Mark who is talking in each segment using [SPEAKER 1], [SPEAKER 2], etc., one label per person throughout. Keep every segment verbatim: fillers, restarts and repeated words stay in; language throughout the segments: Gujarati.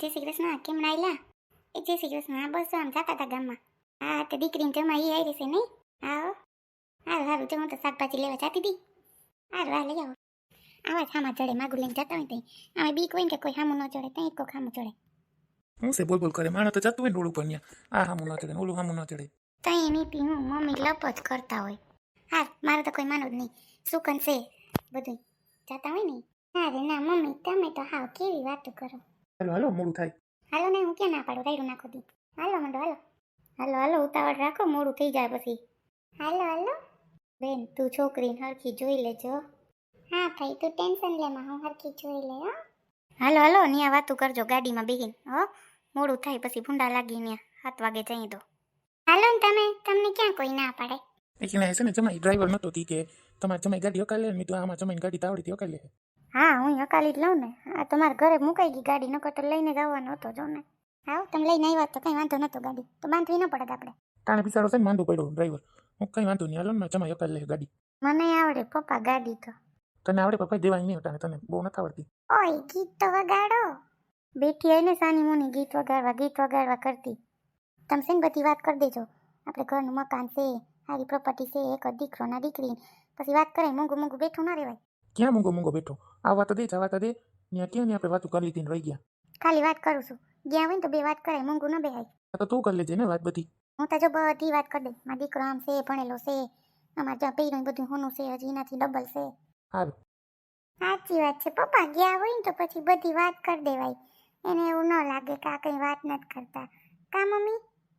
[SPEAKER 1] જય શ્રી કૃષ્ણ. કેમ નાયલા? એ જય શ્રી કૃષ્ણ. હા બસ આમ જતા હતા ગામમાં. હા તે દીકરીને જમા એ આવી છે નહીં? હા હારું હારું તો હું તો શાકભાજી લેવા જતી હતી. હારું હા લઈ આવો. આવા જ હામાં ચડે માગું લઈને જતા હોય ત્યાં આમાં બીક હોય ને કે કોઈ હામું ન ચડે ત્યાં કોઈ હામું ચડે.
[SPEAKER 2] હું છે બોલ બોલ કરે માણસ તો જતું હોય ને રોડ ઉપર ત્યાં આ હામું ન ચડે ઓલું હામું ન ચડે.
[SPEAKER 1] ત્યાં નીતિ હું મમ્મી લપ જ કરતા હોય. હા મારે તો કોઈ માનો જ નહીં. સુકન છે બધું જતા હોય ને. ના રે ના મમ્મી તમે તો હાવ કેવી વાતો કરો.
[SPEAKER 2] હાલો હાલો મોડું થાય.
[SPEAKER 1] હાલો ને હું ક્યાં ના પાડું રાયડું નાખો દી. હાલો મંડો હાલો. હાલો હાલો ઉતાવળ રાખો મોડું થઈ જાય પછી. હાલો હાલો બેન તું છોકરીને હરખી જોઈ લેજો. હા ભાઈ તું ટેન્શન લેમાં હું હરખી જોઈ લે હો. હાલો હાલો ન્યા વાતું કરજો ગાડીમાં બેહીને હો. મોડું થાય પછી ભૂંડા લાગી ન્યા સાત વાગે જઈ દો. હાલો ને તમે તમને ક્યાં કોઈ ના પાડે.
[SPEAKER 2] એક ને છે ને જમાઈ ડ્રાઈવર નતો તી કે તમારે જમાઈ ગાડી હકાલે લે મેં તો આમાં જમાઈને ગાડી તાવડીથી હકાલે લે.
[SPEAKER 1] હા હું હકાલી જ લઉં ને. આ તમારા ઘરે મુકાઈ ગઈ ગાડી નકર તો લઈને જવાનો હતો જો ને. આવ તમે લઈને આવ્યા તો કઈ વાંધો નતો ગાડી તો બાંધવી ન પડે આપણે.
[SPEAKER 2] તાણે બિચારો છે ને માંદો પડ્યો ડ્રાઈવર હું કઈ વાંધો નહીં હાલો ને જમાઈ હકાલે લે ગાડી.
[SPEAKER 1] મને આવડે પપ્પા ગાડી તો.
[SPEAKER 2] તને આવડે પપ્પા દેવાય નહીં હતા તને બહુ નથી આવડતી.
[SPEAKER 1] ઓય ગીત તો વગાડો. બેઠી આવીને સાની મુની ગીત વગાડવા ગીત વગાડવા કરતી. તમે છે ને બધી વાત કરી દેજો. આપણે ઘરનું મકાન છે સારી પ્રોપર્ટી છે એક જ દીકરો ના દીકરી પછી વાત કરે મોંઘું મોંઘું બેઠું ના રહેવાય.
[SPEAKER 2] ક્યાં મૂંગો મૂંગો બેઠો આવવા તો દે જવા તો દે ત્યાં ક્યાં ને આપણે વાતું કરી લીધી ને રહી ગયા.
[SPEAKER 1] ખાલી વાત કરું છું ગયા હોય ને તો બે વાત કરે મોંઘું ન બેહાય.
[SPEAKER 2] તો તું કરી લેજે ને વાત બધી.
[SPEAKER 1] હું તો જો બધી વાત કરી દે મારા દીકરો આમ છે ભણેલો છે અમારે જ્યાં પહેર્યું બધું હોનું છે હજી એનાથી ડબલ છે.
[SPEAKER 2] સારું
[SPEAKER 1] સાચી વાત છે પપ્પા ગયા હોય ને તો પછી બધી વાત કરી દેવાય. એને એવું ન લાગે કે આ કંઈ વાત નથી કરતા કા મમ્મી.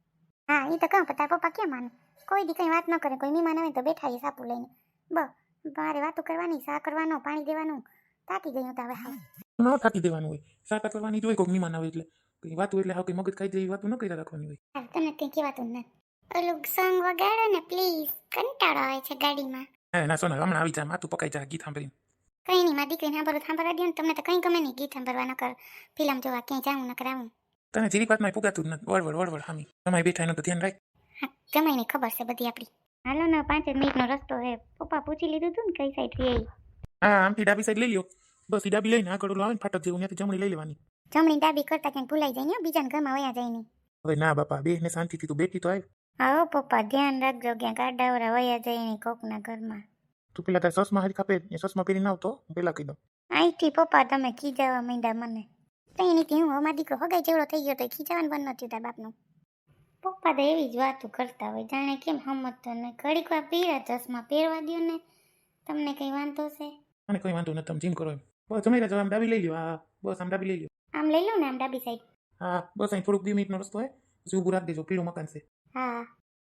[SPEAKER 1] હા એ તો કહું પણ તારા પપ્પા કેમ માને કોઈ દી કંઈ વાત ન કરે કોઈ મહેમાન આવે તો બેઠા એ સાપુ લઈને બ મારે વાતો કરવાની સા કરવાનો પાણી દેવાનું તાકી ગયું તો હવે હા
[SPEAKER 2] ન થાકી દેવાનું હોય સાટા કરવાની જ હોય કોઈક મહેમાન આવે એટલે કઈ વાતું એટલે હા કઈ મગજ ખાઈ જાય વાતું ન કર્યા રાખવાની હોય.
[SPEAKER 1] હા તને કંઈ કહેવાતું નથી. ઓલું સોંગ વગાડો ને પ્લીઝ કંટાળો આવે છે ગાડીમાં.
[SPEAKER 2] હા ના સોના હમણાં આવી જા માતું પકાઈ જા ગીત સાંભળીને.
[SPEAKER 1] કંઈ નહીં મારી દીકરીને સાંભળો સાંભળવા દો ને તમને તો કંઈ ગમે નહીં ગીત સાંભળવા ન કર ફિલ્મ જોવા ક્યાંય જાઉં ન કરાવું.
[SPEAKER 2] તને જીરી વાતમાં પુગાતું જ નથી વળવડ વળવડ હામી તમારી બેઠા એનું તો ધ્યાન રાખ.
[SPEAKER 1] હા જમાઈને ખબર છે બધી આપણી. હાલો ને પાંચ જ મિનિટનો રસ્તો હે પપ્પા પૂછી લીધું તું ને કઈ સાઈડ થી.
[SPEAKER 2] હા આમથી ડાબી સાઈડ લઈ લ્યો બસ ઈ ડાબી લઈને આગળ ઓલું આવે ને ફાટક જેવું ત્યાંથી જમણી લઈ લેવાની.
[SPEAKER 1] જમણી ડાબી કરતા ક્યાંક ભૂલાઈ જાય ને બીજાના ઘરમાં વયા જાય નહીં.
[SPEAKER 2] હવે ના બાપા બે ને શાંતિથી તું બેઠી તો આવ.
[SPEAKER 1] હા પપ્પા ધ્યાન રાખજો ક્યાંક આડાવરા વયા જાય નહીં કોકના ઘરમાં.
[SPEAKER 2] તું પેલા તાર સસમાં હારી ખાપે એ સસમાં પહેરીને આવતો હું પેલા કહી દઉં.
[SPEAKER 1] અહીંથી પપ્પા તમે ખીજાવા માંડ્યા મને. કઈ નથી હું અમારો દીકરો હગાઈ જેવડો થઈ ગયો તો ખીજાવાનું બંધ નથી તાર બાપનું. પપ્પા તો એવી જ વાતો કરતા હોય જાણે કેમ સમજતો ને ઘડીક વાર પીરા ચશ્મા પહેરવા દો ને તમને કઈ વાંધો છે.
[SPEAKER 2] મને કોઈ વાંધો નથી તમે જીમ કરો એમ બસ જમી રહ્યા આમ ડાબી લઈ લ્યો હા બસ આમ ડાબી લઈ લ્યો.
[SPEAKER 1] આમ લઈ લઉં ને આમ ડાબી સાઈડ.
[SPEAKER 2] હા બસ અહીં થોડુંક બે મિનિટનો રસ્તો હોય પછી ઊભું રાખી દેજો પીળું મકાન છે.
[SPEAKER 1] હા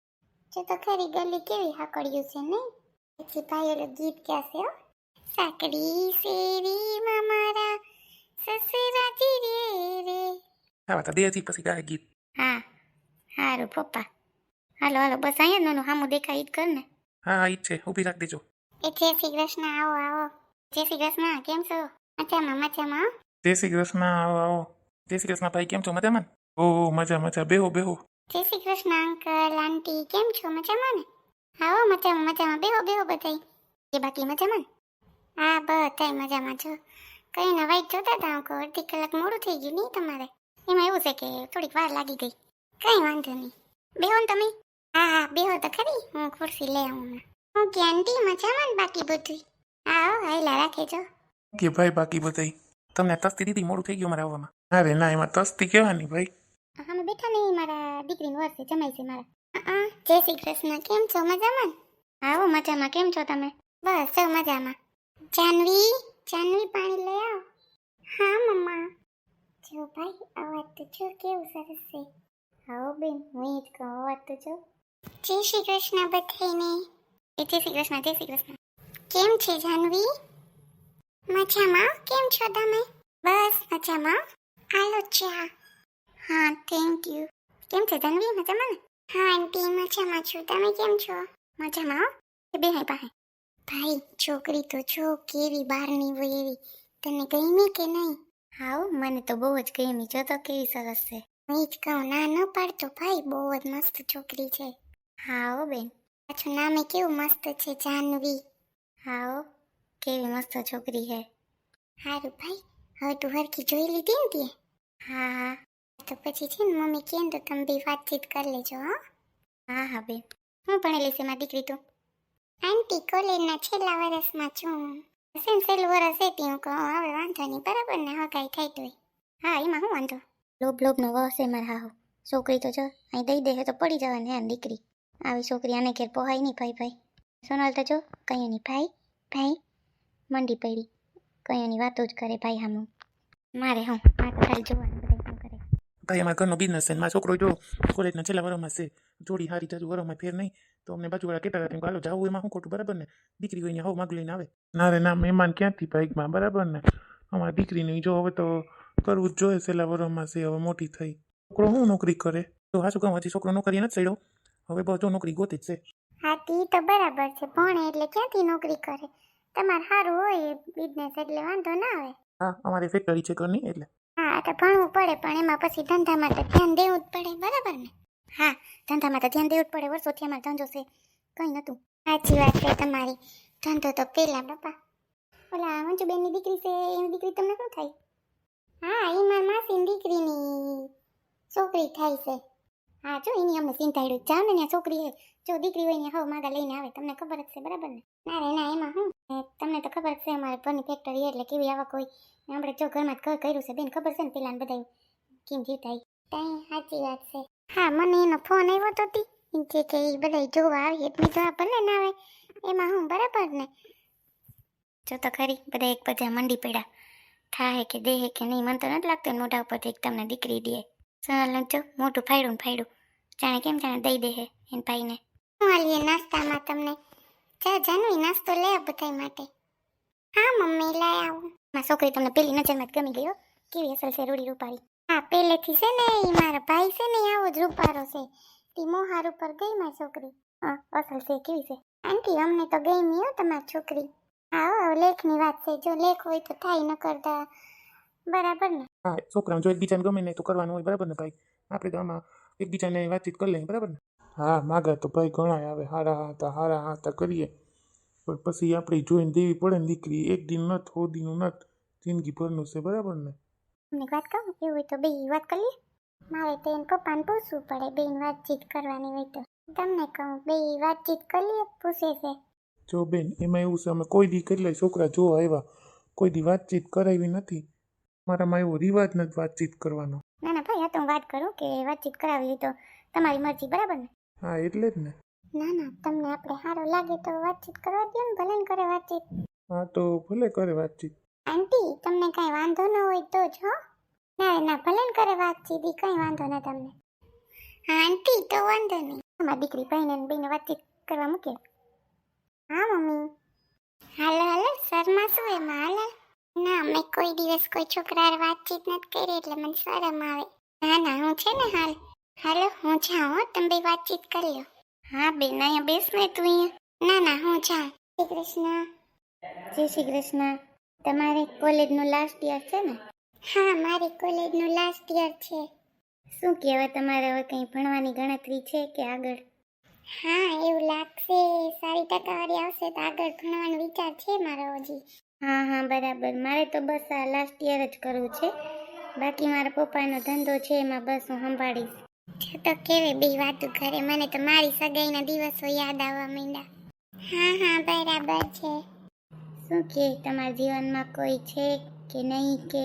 [SPEAKER 1] જો તો ખરી ગલી કેવી હાકડ્યું છે નહીં. પછી ભાઈ ઓલું ગીત ક્યાં છે હો સાકડી શેરીમાં મારા સસરાજી રે રે.
[SPEAKER 2] હા તા દેહથી પછી ગાય ગીત.
[SPEAKER 1] હા સારું પપ્પા હાલો હાલો બસ અહીંયા જ નાનું સામું દેખાય ઈ જ કર ને.
[SPEAKER 2] હા હા ઈ જ છે ઊભી રાખી દેજો.
[SPEAKER 1] એ જય શ્રી કૃષ્ણ આવો આવો. જય શ્રી કૃષ્ણ કેમ છો મજામાં મજામાં.
[SPEAKER 2] જય શ્રી કૃષ્ણ આવો આવો. જય શ્રી કૃષ્ણ ભાઈ કેમ છો મજામાં ને. ઓહ મજા મજા બેહો બેહો.
[SPEAKER 1] જય શ્રી કૃષ્ણ અંકલ આંટી કેમ છો મજામાં ને. આવો મજામાં મજામાં બેહો બેહો બધાય. એ બાકી મજામાં ને. હા બધાય મજામાં છો. કઈ ના વાઈટ જોતા હતા અંકો અડધી કલાક મોડું થઈ ગયું નહીં તમારે. એમાં એવું છે કે થોડીક વાર લાગી ગઈ. કઈ વાંધો નહીં બેહો ને તમે. હા હા બેહો તો ખરી હું ખુરશી લઈ આવું. હું કે આંટી મજામાં ને બાકી બધું. હા હાઈલા રાખે છો.
[SPEAKER 2] કે ભાઈ બાકી બધાય તમને તસ્તી દીધી મોડું થઈ ગયું મારે આવવામાં. અરે ના એમાં તસ્તી કહેવાની ભાઈ.
[SPEAKER 1] અમે બેઠા નહીં મારા દીકરીનું વર્ષે જમાઈ છે મારા. હા જય શ્રી કૃષ્ણ કેમ છો મજામાં. આવો મજામાં કેમ છો તમે. બસ જો મજામાં. જાનવી જાનવી પાણી લઈ આવ. હા મમ્મા. જો ભાઈ અવાજ તો જો કેવું સરસ છે. આવો બેન હું જ કહું અવાજ તો જો. જય શ્રી કૃષ્ણ બધાને. એ જય શ્રી કૃષ્ણ જય શ્રી કૃષ્ણ. કેમ છે જાનવી. મજામાં કેમ છો તમે. બસ મજામાં. હાલો ચા. હા થેન્ક યુ. કેમ છે જાનવી મજામાં ને. હા આંટી મજામાં છું તમે કેમ છો. મજામાં હો એ બે હાઈ પાસે. ભાઈ છોકરી તો જો કેવી બહારની હોય એવી તને ગમી કે નહીં. હાઉ મને તો બહુ જ ગમી જો તો કેવી સરસ છે. હું જ કહું ના ન પાડતો ભાઈ બહુ જ મસ્ત છોકરી છે. હાઓ બેન પાછું નામે કેવું મસ્ત છે જાનવી. હાઓ કેવી મસ્ત છોકરી છે. હારું ભાઈ હવે તું હરખી જોઈ લીધી ને તે. હા હા તો પછી છે ને મમ્મી કહે ને તો તમે બી વાતચીત કરી લેજો હો. હા હા બેન. હું ભણેલી છે મારી દીકરી તો? આંટી કોલેજના છેલ્લા વર્ષમાં છું. સેમ છેલ્લું વર્ષ હતી હું કહું હવે વાંધો નહીં બરાબર ને હા કાંઈ થાય તોય. હા એમાં શું વાંધો? લોભ લોભનો વહ છે મારા હાહુ. છોકરી તો જો અહીં દઈ દે તો પડી જવાની હે દીકરી. આવી છોકરી આને ઘેર પોહાય નહીં ભાઈ ભાઈ. સોનલ તો જો કઈ નહીં ભાઈ ભાઈ મંડી પડી. કઈ એની વાતો જ કરે ભાઈ હામું. મારે હું આ તો ખાલી જોવાનું બધા શું કરે.
[SPEAKER 2] ભાઈ અમારા ઘરનો બિઝનેસ છે ને મારો છોકરો જો કોલેજના છેલ્લા વર્ષમાં છે જોડી હારી જાજુ વરમાં ફેર નહીં તો અમને બાજુવાળા કહેતા હતા કે હાલો જાવું એમાં શું ખોટું બરાબર ને દીકરી હોય ને હવ માગ લઈને આવે ના રે ના મહેમાન ક્યાંથી બાઇકમાં બરાબર ને અમારી દીકરીને જો હવે તો કરવું જ જોઈએ છેલ્લા વર્ષમાં છે હવે મોટી થઈ છોકરો શું નોકરી કરે તો હા શું કહું હજી છોકરો નોકરી નથી ચડ્યો હવે બસ જો નોકરી ગોતી જ છે.
[SPEAKER 1] હા તી તો બરાબર છે ભણે એટલે ક્યાંથી નોકરી કરે તમારે સારું હોય બિઝનેસ એટલે વાંધો ના આવે.
[SPEAKER 2] હા અમારી ફેક્ટરી છે ઘરની એટલે
[SPEAKER 1] હા તો ભણવું પડે પણ એમાં પછી ધંધામાં તો ધ્યાન દેવું જ પડે બરાબર ને. હા ધંધામાં તો ધ્યાન દેવું જ પડે વર્ષોથી અમારે ધંધો છે કંઈ નહોતું. સાચી વાત છે તમારી ધંધો તો પેલા બાપા ઓલા મંજુબેનની દીકરી છે એની દીકરી તમને શું થાય? હા એ મારા માસીની દીકરીની છોકરી થાય છે. હા જો એની અમને ચિંતાડ્યું જાઓ ને ત્યાં છોકરી હે જો દીકરી હોય ને હવે માગા લઈને આવે તમને ખબર જ છે બરાબર ને. ના રે ના એમાં શું તમને તો ખબર છે અમારે ઘરની ફેક્ટરી એટલે કેવી આવક હોય આપણે જો ઘરમાં ઘર કર્યું છે બેન ખબર છે ને પેલા બધા કેમ જીતાય કઈ સાચી વાત છે. હા મને એનો ફોન આવ્યો તો તી જે કે એ બધા જોવા આવી એટલે જોવા ભલે ના આવે એમાં હું બરાબર ને. જો તો ખરી બધા એક બધા મંડી પડ્યા થાય કે દેહે કે નહીં મને તો નથી લાગતું મોઢા ઉપરથી એક તમને દીકરી દે. સોનલ જો મોટું ફાડ્યું ને ફાડ્યું જાણે કેમ જાણે દઈ દે હે એને ભાઈને. હું હાલીએ નાસ્તામાં તમને જા જાનવી નાસ્તો લે આ બધા માટે. હા મમ્મી લઈ આવું. મારી છોકરી તમને પેલી નજરમાં જ ગમી ગયો કેવી અસલ છે રૂડી રૂપાળી. હા પહેલેથી છે ને એ મારા ભાઈ છે ને આવો જ રૂપારો છે તી મોહાર ઉપર ગઈ મારી છોકરી. હા અસલ છે કેવી છે આંટી અમને તો ગમી હો તમારી છોકરી. હા લેખની વાત છે જો લેખ હોય તો થાય ન કરતા બરાબર ને.
[SPEAKER 2] હા છોકરાઓ જો એકબીજાને ગમે નહીં તો કરવાનું હોય બરાબર ને ભાઈ આપણે તો આમાં એકબીજાને વાતચીત કરી લઈએ બરાબર ને. હા માગા તો ભાઈ ઘણા આવે હારા હાતા હારા હાતા કરીએ પણ પછી આપણે જોઈને દેવી પડે ને દીકરી એક દિન નથ હોદીનું નથ જિંદગી ભરનું છે બરાબર ને.
[SPEAKER 1] તમને વાત કહું એવું હોય તો બે વાત કરી લઈએ. મારે તો એને પપ્પાને પૂછવું પડે બેન વાતચીત કરવાની હોય તો તમને કહું બે વાતચીત કરી લઈએ પૂછે છે.
[SPEAKER 2] જો બેન એમાં એવું છે અમે કોઈ દી કેટલાય છોકરા જોવા આવ્યા કોઈ દી વાતચીત કરાવી નથી મારામાં એવો રિવાજ નથી વાતચીત કરવાનો.
[SPEAKER 1] ના ના ભાઈ આ તો હું વાત કરું કે વાતચીત કરાવી હોય તો તમારી મરજી બરાબર ને.
[SPEAKER 2] હા એટલે જ ને.
[SPEAKER 1] ના ના તમને આપણે સારું લાગે તો વાતચીત કરવા દો ને ભલે ને કરે વાતચીત.
[SPEAKER 2] હા તો ભલે કરે વાતચીત.
[SPEAKER 1] આંટી તમને કાંઈ વાંધો ન હોય તો જ હો. ના ના ભલે ને કરે વાતચીત એ કંઈ વાંધો ન તમને. હા આંટી તો વાંધો નહીં અમારી દીકરી ભાઈને ને બેને વાતચીત કરવા મૂકે. હા મમ્મી હાલો હાલો શર્મા શું એમાં હાલો. ના મેં કોઈ દિવસ કોઈ છોકરા વાતચીત નથી કરી એટલે મને શરમ આવે. ના ના હું છે ને હાલ હાલો હું જાઉં હો તમે બે વાતચીત કરી લો. હા બેન અહીંયા બેસ ને તું અહીંયા. ના ના હું જાઉં. શ્રી કૃષ્ણ. જય શ્રી કૃષ્ણ. તમારે કોલેજનું લાસ્ટ યર છે ને? હા મારી કોલેજનું લાસ્ટ યર છે. શું કહેવાય તમારે હવે કંઈ ભણવાની ગણતરી છે કે આગળ? હા એવું લાગશે સારી ટકાવારી આવશે તો આગળ ભણવાનો વિચાર છે મારો હજી. હા હા બરાબર મારે તો બસ આ લાસ્ટ યર જ કરવું છે બાકી મારા પપ્પાનો ધંધો છે એમાં બસ હું સંભાળીશ. જો તો કેવી બે વાતું કરે મને તો મારી સગાઈના દિવસો યાદ આવવા માંડ્યા. હા હા બરાબર છે. શું કે તમારા જીવનમાં કોઈ છે કે નહીં કે?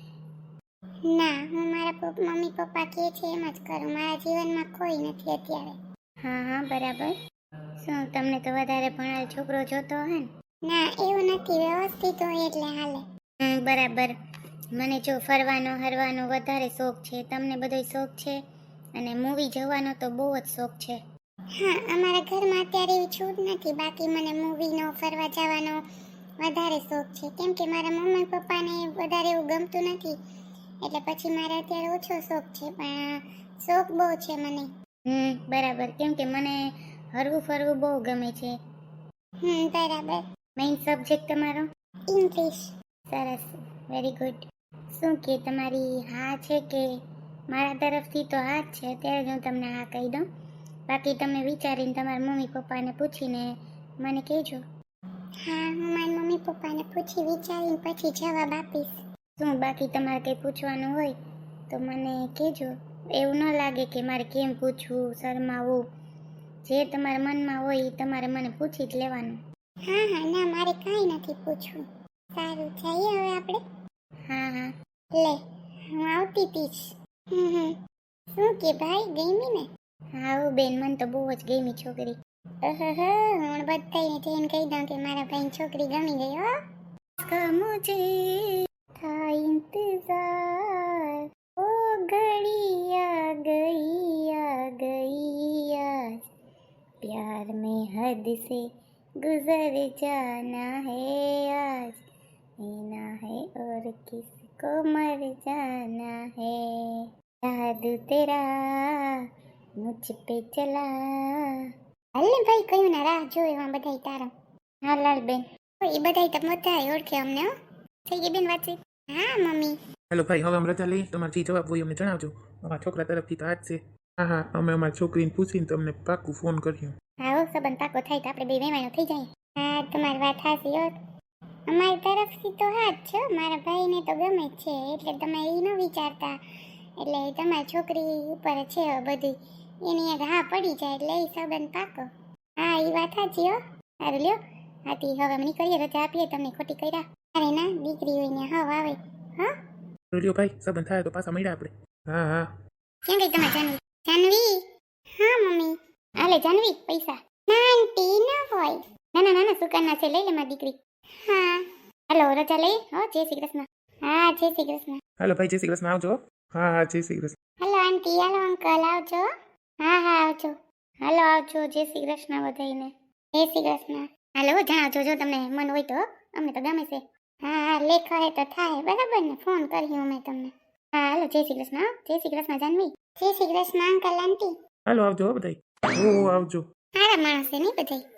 [SPEAKER 1] ના હું મારા પપ્પા મમ્મી પપ્પા કહે છે એમ જ કરું મારા જીવનમાં કોઈ નથી અત્યારે. હા હા બરાબર. શું તમને તો વધારે ભણેલ છોકરો જોતો હે ને? ના એવું નથી વ્યવસ્થિત હોય એટલે હાલે. હમ બરાબર. મને જો ફરવાનો હરવાનો વધારે શોખ છે તમને બધોય શોખ છે અને મૂવી જવાનો તો બહુ જ શોખ છે. હા અમારા ઘરમાં અત્યારે એવી છૂટ નથી બાકી મને મૂવીનો ફરવા જવાનો વધારે શોખ છે કેમ કે મારા મમ્મી પપ્પાને વધારે એવું ગમતું નથી એટલે પછી મારે અત્યારે ઓછો શોખ છે પણ શોખ બહુ છે મને. હમ બરાબર કેમ કે મને હરવું ફરવું બહુ ગમે છે. હમ બરાબર. મેઇન સબ્જેક્ટ તમારો? ઇંગ્લિશ. સરસ વેરી ગુડ. શું કે તમારી હા છે કે? મારા તરફથી તો હા જ છે અત્યારે જ હું તમને હા કહી દઉં બાકી તમે વિચારીને તમારા મમ્મી પપ્પાને પૂછીને મને કહેજો. હા હું મારા મમ્મી પપ્પાને પૂછી વિચારીને પછી જવાબ આપીશ. શું બાકી તમારે કંઈ પૂછવાનું હોય તો મને કહેજો. એવું ન લાગે કે મારે કેમ પૂછવું, શરમાવું. જે તમારા મનમાં હોય એ તમારે મને પૂછી જ લેવાનું. હા હા, ના મારે કાંઈ નથી પૂછવું. સારું, જઈએ હવે આપણે. હા હા, લે હું આવતી હતી જ. હમ હમ. શું કે ભાઈ, ગમી ને? હા હો બેન, મને તો બહુ જ ગમી છોકરી. અહહ, હું બધાને જઈને કહી દઉં કે મારા ભાઈને છોકરી ગમી ગઈ હો. का मुझे था इंतजार, ओ घड़ी आ गई आ गई आज, प्यार में हद से गुजर जाना है आज, जीना है और किसको मर जाना है, जादू तेरा मुझ पे चला. હાલને ભાઈ, કયું ના રાહ જોયું બધાય તારા. હા લાલ બેન, એ બધાય તો બધા ઓળખે અમને હો. થઈ ગઈ બેન વાતચીત? હા મમ્મી.
[SPEAKER 2] હેલો ભાઈ, હવે અમે રજા લઈએ. તમારે જે જવાબ હોય અમને જણાવજો. અમારા છોકરા તરફથી તો આજ છે. હા હા, અમે અમારી છોકરીને પૂછીને તમને પાક્કું ફોન કર્યું.
[SPEAKER 1] હા હો, સંબંધ પાકો થાય તો આપણે બે વેવાણો થઈ જાય. હા તમારી વાત સાચી હો. અમારી તરફથી તો હા જ છે. મારા ભાઈને તો ગમે જ છે, એટલે તમે એ ન વિચારતા. એટલે તમારી છોકરી ઉપર છે બધું, એની એક હા પડી જાય એટલે એ સંબંધ પાકો. હા એ વાત સાચી હો. સારું લ્યો. હાથી હવે અમે નીકળીએ, રજા આપીએ તમને ખોટી કર્યા. અરે ના, દીકરી હોય ને હવ આવે. હા
[SPEAKER 2] લ્યો ભાઈ, સંબંધ થાય તો પાછા મળ્યા આપણે. હા હા.
[SPEAKER 1] ક્યાં ગઈ તમારી જાનવી? જાનવી? હા મમ્મી. હાલે જાનવી, પૈસા. ના આંટી ન હોય. ના ના ના, સુકાના છે, લઈ લે મારી દીકરી. હા. હાલો રજા લઈ. હો, જય શ્રી કૃષ્ણ. હા જય શ્રી કૃષ્ણ.
[SPEAKER 2] હાલો ભાઈ, જય શ્રી કૃષ્ણ, આવજો. હા હા, જય શ્રી કૃષ્ણ.
[SPEAKER 1] હાલો આંટી, હાલો અંકલ, આવજો. હા હા આવજો. હાલો આવજો, જય શ્રી કૃષ્ણ બધાયને. જય શ્રી કૃષ્ણ. હાલો જણાવજો જો તમને મન હોય તો, અમને તો ગમે છે. હા હા, લેખા હે તો થાય, બરાબર ને? ફોન કર્યો મેં તમને. હા હાલો, જય શ્રી કૃષ્ણ. હો, જય શ્રી કૃષ્ણ જાનવી. Jai Shri Krishna uncle aunty.
[SPEAKER 2] હાલો આવજો બધાય. ઓ આવજો.
[SPEAKER 1] સારા માણસ છે નહીં બધાય.